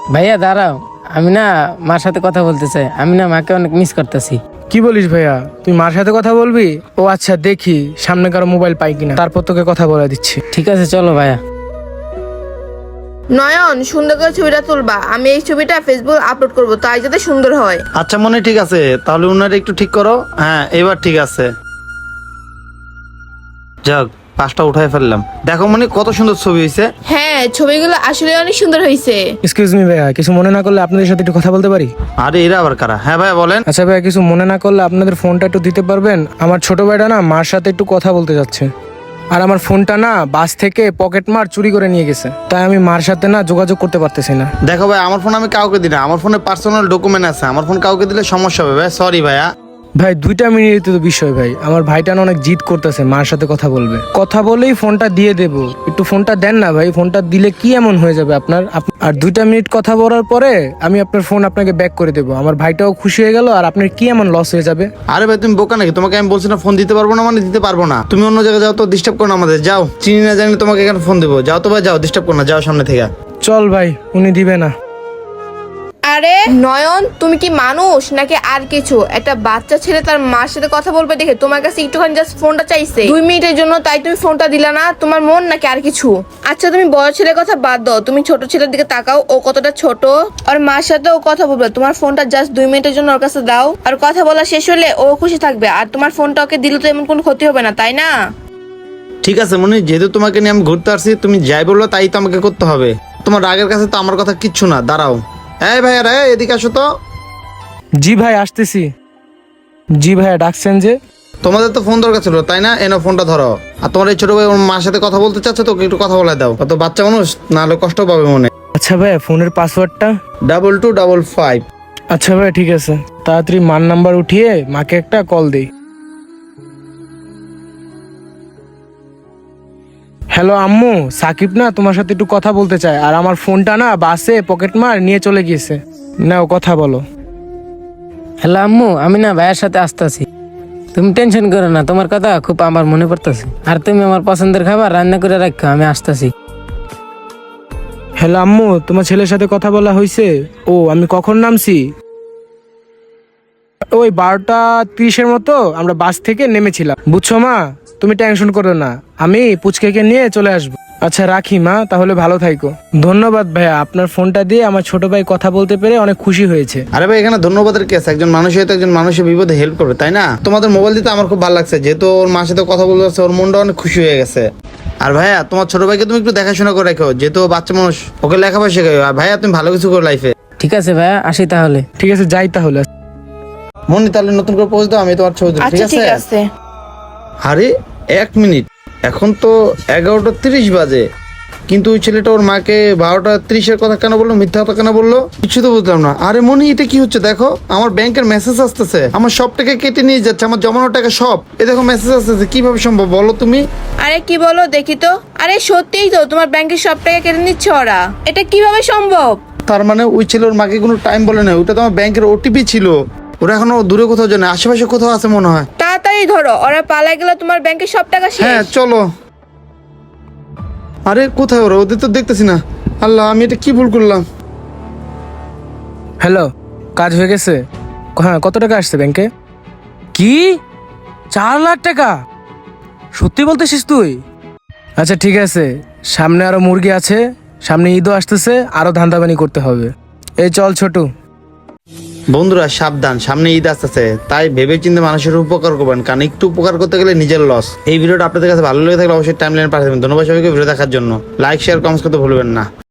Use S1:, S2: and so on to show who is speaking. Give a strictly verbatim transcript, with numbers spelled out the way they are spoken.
S1: ভাইয়া দাঁড়াও, আমি না মার সাথে কথা বলতে চাই। আমি না মাকে অনেক মিস করতেছি।
S2: কি বলিস ভাইয়া, তুই মার সাথে কথা বলবি? ও আচ্ছা, দেখি সামনে কারো মোবাইল পাই কিনা, তারপর তোকে কথা বলে দিচ্ছি।
S1: ঠিক আছে চলো ভাইয়া।
S3: নয়ন, সুন্দর করে ছবিটা তুলবা। আমি এই ছবিটা ফেসবুক আপলোড করব, তাই যাতে সুন্দর হয়।
S4: আচ্ছা মনে ঠিক আছে, তাহলে উনারে একটু ঠিক করো। হ্যাঁ এবার ঠিক আছে। যাক, পাঁচটা উঠাই ফেললাম। দেখো মনে কত সুন্দর ছবি হয়েছে।
S3: হ্যাঁ, ছবিগুলো আসলে অনেক সুন্দর হয়েছে।
S2: এক্সকিউজ মি ভাইয়া, কিছু মনে না করলে আপনাদের সাথে একটু কথা বলতে পারি?
S4: আরে এরা আবার কারা? হ্যাঁ ভাই বলেন।
S2: আচ্ছা ভাইয়া, কিছু মনে না করলে আপনাদের ফোনটা একটু দিতে পারবেন? আমার ছোট ভাইটা না মার সাথে একটু কথা বলতে যাচ্ছে, আর আমার ফোনটা না বাস থেকে পকেট মার চুরি করে নিয়ে গেছে, তাই আমি মার সাথে না যোগাযোগ করতে পারতেছি না।
S4: দেখো ভাই, আমার ফোন আমি কাউকে দিই না। আমার ফোনে পার্সোনাল ডকুমেন্ট আছে, আমার ফোন কাউকে দিলে সমস্যা হবে ভাই। সরি ভাইয়া।
S2: ভাই দুইটা মিনিট তো বিষয় ভাই, আমার ভাইটা না অনেক জিদ করতেছে, মার সাথে কথা বলবে। কথা বলেই ফোনটা দিয়ে দেব, একটু ফোনটা দেন না ভাই। ফোনটা দিলে কি এমন হয়ে যাবে আপনার? আপ- আর দুইটা মিনিট কথা বলার পরে আমি আপনার ফোন আপনাকে ব্যাক করে দেবো। আমার ভাইটাও খুশি হয়ে গেল, আর আপনার কি এমন লস হয়ে যাবে?
S4: আরে ভাই তুমি বোকা নাকি? তোমাকে আমি বলছি না ফোন দিতে পারবো না, মানে দিতে পারবো না। তুমি অন্য জায়গায় যাও তো, ডিস্টার্ব করো না আমাদের। যাও, চিনি না জানি তোমাকে এখানে ফোন দেবো। যাও তো ভাই, যাও, ডিস্টার্ব করো না, যাও সামনে থেকে।
S2: চল ভাই, উনি দিবে না।
S3: আরে নয়ন, তুমি কি মানুষ নাকি আর কিছু? একটা বাচ্চা ছেলে তার মার সাথে কথা বলবে দেখে তোমার কাছে একটুখানি জাস্ট ফোনটা চাইছে দুই মিনিটের জন্য, তাই তুমি ফোনটা দিলা না? তোমার মন নাকি আর কিছু? আচ্ছা তুমি বড় ছেলের কথা বাদ দাও, তুমি ছোট ছেলের দিকে তাকাও। ও কতটা ছোট, আর মার সাথে ও কথা বলবে। তোমার ফোনটা জাস্ট দুই মিনিটের জন্য ওর কাছে দাও, আর কথা বলা শেষ হলে ও খুশি থাকবে। আর তোমার ফোনটা ওকে দিলে তো এমন কোনো ক্ষতি হবে না, তাই না?
S4: ঠিক আছে মনি, যেহেতু তোমাকে নিয়ে আমি ঘুরতে আসছি, তুমি যাই বললো তাই তো আমাকে করতে হবে। তোমার রাগের কাছে তো আমার কথা কিচ্ছু না। দাঁড়াও, এই ভাইয়া রে, এদিকে আসো তো।
S2: জি ভাই আসতেছি। জি ভাইয়া ডাকছেন যে?
S4: তোমাদের তো ফোন দরকার ছিল তাই না? এনো ফোনটা ধরো। আর তোমার এই ছোট ভাই ওর মার সাথে কথা বলতে চাচ্ছে, তোকে একটু কথা বলে দাও। কত বাচ্চা মানুষ, নাহলে কষ্ট পাবে মনে।
S2: আচ্ছা ভাইয়া, ফোনের পাসওয়ার্ডটা?
S4: Double two double five.
S2: আচ্ছা ভাই ঠিক আছে, তাড়াতাড়ি মার নাম্বার উঠিয়ে মাকে একটা কল দেই। হ্যালো আম্মু, সাকিব না তোমার সাথে একটু কথা বলতে চায়, আর আমার ফোনটা না বাসে পকেট মার নিয়ে চলে গিয়েছে। নাও কথা বলো।
S1: হ্যালো আম্মু, আমি না ভাইয়ের সাথে আসতেছি। তুমি টেনশন করো না, তোমার কথা খুব আমার মনে পড়তেছে। আর তুমি আমার পছন্দের খাবার রান্না করে রাখো, আমি আসতেছি।
S2: হ্যালো আম্মু, তোমার ছেলের সাথে কথা বলা হয়েছে? ও আমি কখন নামছি? ওই বারোটা তিরিশের মতো আমরা বাস থেকে নেমেছিলাম, বুঝছো মা? তুমি টেনশন করো না, আমি পুচকেকে নিয়ে চলে আসবো। আচ্ছা রাখি মা, তাহলে ভালো থাইকো। ধন্যবাদ ভাইয়া, আপনার ফোনটা দিয়ে আমার ছোট ভাই কথা বলতে পেরে অনেক খুশি হয়েছে।
S4: আরে ভাই এখানে ধন্যবাদের কেস। একজন মানুষ হয়তো একজন মানুষের বিপদে হেল্প করবে, তাই না? তোমাদের মোবাইল দিতে আমার খুব ভালো লাগছে, যেহেতু ওর মার সাথে কথা বলতে পারছে, ওর মনটা অনেক খুশি হয়ে গেছে। আর ভাইয়া তোমার ছোট ভাইকে তুমি একটু দেখাশোনা করে রাখো, যেহেতু ও বাচ্চা মানুষ, ওকে লেখাপড়া শেখাও। আর ভাইয়া তুমি ভালো কিছু করো লাইফে।
S1: ঠিক আছে ভাইয়া, আসি তাহলে।
S2: ঠিক আছে যাই তাহলে।
S4: মনি তাহলে নতুন করে পৌঁছে দাও, আমি তোমার ছবি তুলি, ঠিক
S3: আচ্ছা ঠিক
S4: আছে?
S3: আছে।
S4: আরে এক মিনিট, এখন তো এগারোটা তিরিশ বাজে, কিন্তু ওই ছেলেটা ওর মাকে বারোটা তিরিশের কথা কেন বললো, মিথ্যা কথা কেন বললো, কিছু তো বুঝলাম না। আরে মনি এটা কি হচ্ছে? দেখো আমার ব্যাংকের মেসেজ আসতেছে, আমার সব টাকা কেটে নিয়ে যাচ্ছে, আমার জমানো টাকা সব। এ দেখো মেসেজ আসতেছে, কিভাবে সম্ভব বলো তুমি?
S3: আরে কি বলো দেখি তো। আরে সত্যিই তো, তোমার ব্যাংকের সব টাকা কেটে নিচ্ছে ওরা। এটা কিভাবে সম্ভব?
S4: তার মানে ওই ছেলে ওর মাকে কোনো টাইম বলে না, ওটা তো আমার ব্যাংকের ওটিপি ছিল। ওরা এখনো দূরে কোথাও জানে, আশেপাশে কোথাও আছে মনে হয়।
S3: তাড়াতাড়ি ধরো, ওরা পালাই গেলে তোমার ব্যাংকের সব টাকা
S4: হ্যাঁ
S3: শেষ।
S4: চলো। আরে কোথায় ওরা? ওদের তো দেখতেছি না। আল্লাহ, আমি এটা কি ভুল করলাম?
S2: হ্যালো, কাজ হয়ে গেছে? হ্যাঁ, কত টাকা আসছে ব্যাংকে? কি চার লাখ টাকা? সত্যি বলতেছিস তুই? আচ্ছা ঠিক আছে, সামনে আরো মুরগি আছে, সামনে ঈদও আসতেছে, আরো ধান্দাবানি করতে হবে। এই চল ছোটু।
S4: বন্ধুরা সাবধান, সামনে ঈদ আসতেছে, তাই ভেবে চিন্তে মানুষের উপকার করবেন, কারণ একটু উপকার করতে গেলে নিজের লস। এই ভিডিওটা আপনাদের কাছে ভালো লেগে থাকলে অবশ্যই টাইমলাইনে পাঠাবেন। ধন্যবাদ সবাইকে ভিডিও দেখার জন্য। লাইক শেয়ার কমেন্ট করতে ভুলবেন না।